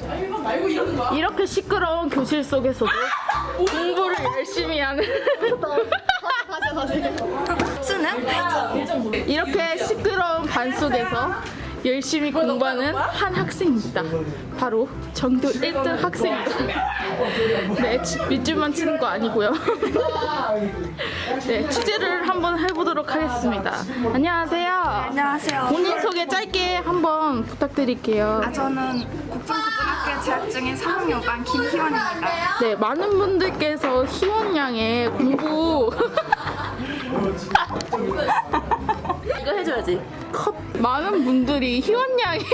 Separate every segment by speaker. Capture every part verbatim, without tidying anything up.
Speaker 1: 이렇게 시끄러운 교실 속에서도 공부를 열심히 하는
Speaker 2: 수능?
Speaker 1: 이렇게 시끄러운 반 속에서 열심히 공부하는 한 학생입니다. 바로 전교 일 등 학생입니다. 네, 밑줄만 치는 거 아니고요. 네, 취재를 한번 해보도록 하겠습니다. 안녕하세요.
Speaker 2: 안녕하세요.
Speaker 1: 본인 소개 짧게 한번 부탁드릴게요.
Speaker 2: 아, 저는 국정고등학교에 재학 중인 삼 학년반 김희원입니다.
Speaker 1: 네, 많은 분들께서 희원 양의 공부
Speaker 3: 이거 해줘야지.
Speaker 1: 컷. 많은 분들이 희원 양이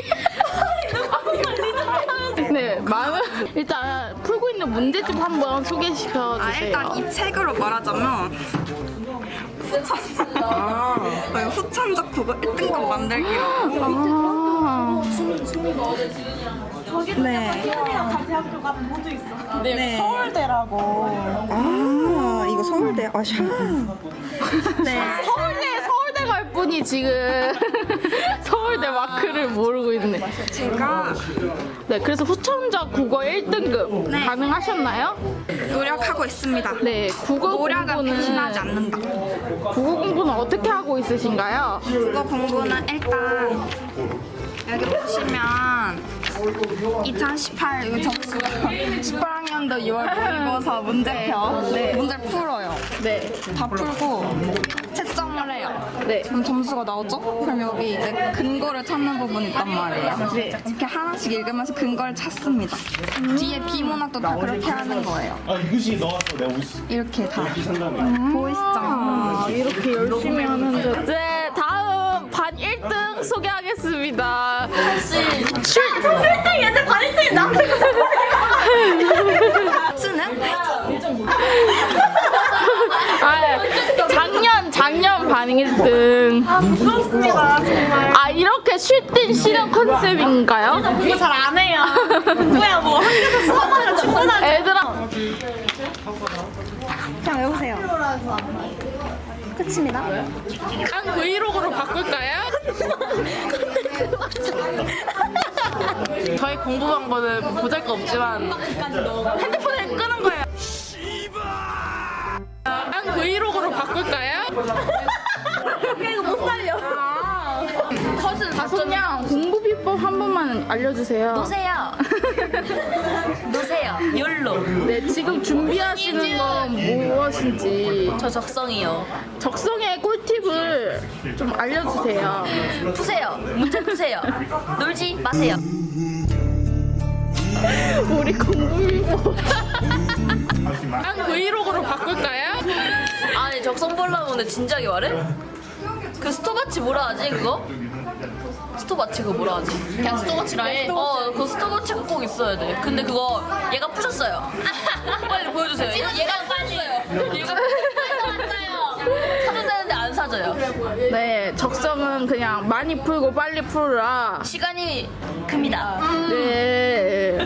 Speaker 1: 네, 많은 일단 풀고 있는 문제집 한번 소개시켜
Speaker 2: 아,
Speaker 1: 주세요.
Speaker 2: 일단 이 책으로 말하자면 후천, 아, 후천적 국어 일 등급 만들기라고.
Speaker 1: 아,
Speaker 2: 네.
Speaker 4: 대학교가 모두 있어.
Speaker 2: 네.
Speaker 4: 서울대라고.
Speaker 2: 아, 이거 서울대. 아, 샤. 네.
Speaker 1: 서울대 서울대 갈 분이 지금 서울대 마크를 모르고 있네.
Speaker 2: 제가
Speaker 1: 네, 그래서 후천적 국어 일 등급
Speaker 2: 네.
Speaker 1: 가능하셨나요?
Speaker 2: 노력하고 있습니다.
Speaker 1: 네, 국어
Speaker 2: 노력은
Speaker 1: 공부는
Speaker 2: 배신하지 않는다.
Speaker 1: 국어 공부는 어떻게 하고 있으신가요?
Speaker 2: 국어 공부는 일단 여기 보시면 이천십팔 이거 점수가 십팔 학년도 유월 모의고사 문제표
Speaker 1: 네.
Speaker 2: 문제를 풀어요.
Speaker 1: 네,
Speaker 2: 다 풀고 채점을 해요.
Speaker 1: 네.
Speaker 2: 그럼 점수가 나오죠? 그럼 여기 이제 근거를 찾는 부분이 있단 말이에요.
Speaker 1: 네.
Speaker 2: 이렇게 하나씩 읽으면서 근거를 찾습니다. 뒤에 비문학도 다 그렇게 하는 거예요.
Speaker 5: 아 이것이 넣었어 내가 오십
Speaker 2: 이렇게 다
Speaker 5: 산다며.
Speaker 2: 보이시죠?
Speaker 1: 아, 이렇게 열심히 하는데. 네, 다음 반 일 등 소개하겠습니다. 출
Speaker 4: 일 등 얘들 반 일 등이 나.
Speaker 2: 수능?
Speaker 1: 아, 작년 작년 반 일 등.
Speaker 4: 아 부끄럽습니다 정말.
Speaker 1: 아, 이렇게 쉴 땐 쉬는 컨셉인가요?
Speaker 4: 공부 잘 안 해요. 뭐야 뭐 학교에서 수업하면 충분하지.
Speaker 1: 애들아,
Speaker 2: 그냥 외우세요. 끝입니다.
Speaker 1: 한 브이로그로 바꿀까요? 저희 공부 방법은 보잘것없지만 핸드폰을 끄는 거예요. 한 브이로그로 바꿀까요?
Speaker 4: 이거 못 살려.
Speaker 1: 컷은 다솜양 공부 비법 한 번만 알려주세요.
Speaker 3: 노세요. 노세요. 욜로.
Speaker 1: 네, 지금 준비하시는 건 무엇인지
Speaker 3: 저 적성이요.
Speaker 1: 적성의 꿀팁을 좀 알려주세요.
Speaker 3: 푸세요. 문제 푸세요. 놀지 마세요.
Speaker 1: 우리 공부 비법 한 브이로그로 바꿀까요?
Speaker 3: 아니 적성 보려면 근데 진지하게 말해? 그 스톱워치 뭐라 하지 그거? 스톱워치 그거 뭐라 하지? 그냥 스톱워치라 해? 어, 그 스톱워치가 꼭 있어야 돼. 근데 그거 얘가 푸셨어요. 빨리 보여주세요. 얘가 푸셨어요. 얘가 푸셨어요. 사준다는데 안 사줘요.
Speaker 1: 네, 적성은 그냥 많이 풀고 빨리 풀라.
Speaker 3: 시간이 큽니다.
Speaker 1: 네.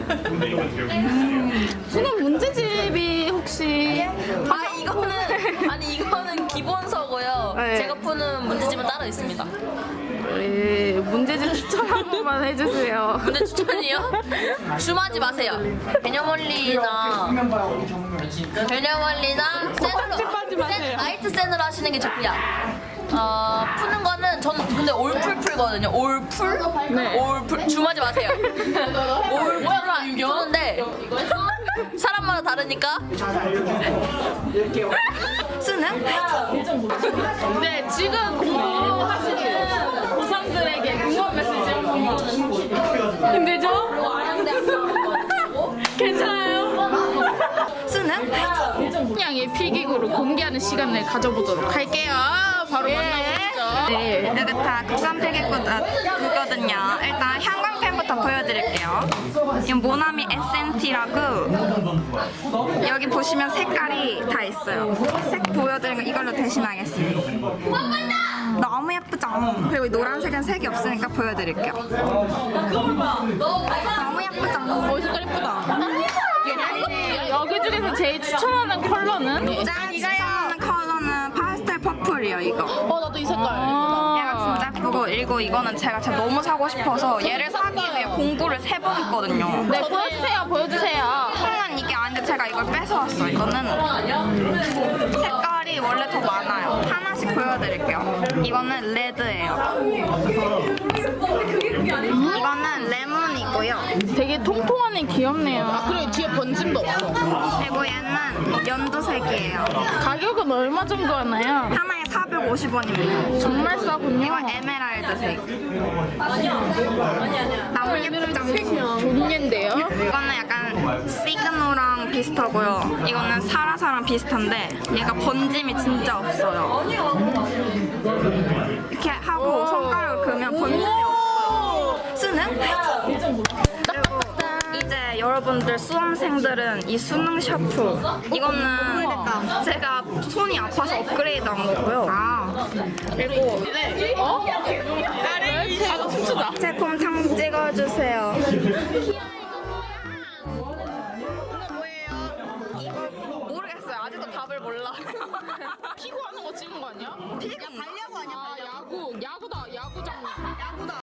Speaker 1: 수능 문제집이 혹시
Speaker 3: 아 이거는 아니 이거는 기본서고요.
Speaker 1: 네.
Speaker 3: 제가 푸는 문제집은 따로 있습니다.
Speaker 1: 네, 문제집 추천 한 번만 해주세요.
Speaker 3: 문제 추천이요? 줌하지 마세요. 개념 원리나 개념 원리나
Speaker 1: 빡빡하지 마세요.
Speaker 3: 센, 라이트 센으로 하시는 게 좋고요. 어, 푸는 거는 저는 근데 올풀 풀거든요. 올풀?
Speaker 1: 네.
Speaker 3: 올풀 줌하지 마세요. 올풀을 안 푸는데 사람마다 다르니까.
Speaker 2: 수능?
Speaker 1: 네, 지금 공부하시는 고삼들에게 응원 메시지 한번. 힘들죠? 괜찮아요?
Speaker 2: 수능?
Speaker 1: 양의 필기구를 공개하는 시간을 가져보도록 할게요. 바로 만나보시죠. 네.
Speaker 2: 여기 다 국산 필기구거든요. 일단 형광펜부터 보여드릴게요. 이 모나미 에스엔티라고 여기 보시면 색깔이 다 있어요. 색 보여드린 거 이걸로 대신하겠습니다. 너무 예쁘죠? 그리고 이 노란색은 색이 없으니까 보여드릴게요. 너무 예쁘죠?
Speaker 1: 어, 색깔 예쁘다. 여기 중에서 제일 추천하는 컬러는?
Speaker 2: 짠! 추천하는 컬러는 파스텔 퍼플이요, 이거.
Speaker 1: 어, 나도 이 색깔 예쁘다.
Speaker 2: 얘가 진짜 예쁘고 그리고 이거는 제가 진짜 너무 사고 싶어서 얘를 사기 위해 공부를 세 번 했거든요.
Speaker 1: 네, 보여주세요, 보여주세요.
Speaker 2: 저는 이게 아닌데 제가 이걸 뺏어왔어요. 이거는 색깔이 원래 더 많아요. 하나씩 보여드릴게요. 이거는 레드예요. 이거는 레몬이고요.
Speaker 1: 되게 통통하네, 귀엽네요. 아, 그리고 뒤에 번짐도 없어.
Speaker 2: 그리고 얘는 연두색이에요.
Speaker 1: 가격은 얼마 정도 하나요?
Speaker 2: 하나에 사백오십 원입니다.
Speaker 1: 정말 싸군요.
Speaker 2: 이건 에메랄드색. 나무 예쁘죠?
Speaker 1: 좋은데요?
Speaker 2: 이거는 약간 시그노랑 비슷하고요. 이거는 사라사랑 비슷한데 얘가 번짐이 진짜 없어요. 이렇게 하고 손가락을 그으면 번짐이 없어요. 쓰는? 그리고 이제 여러분들 수험생들은 이 수능 샤프 이거는 제가 손이 아파서 업그레이드한 거고요. 아 그리고
Speaker 1: 어? 나를 춤추자.
Speaker 2: 제 곰탕 찍어주세요. 이거 모르겠어요. 아직도 답을 몰라.
Speaker 1: 피고 하는 거 찍은 거 아니야?
Speaker 2: 피곤가?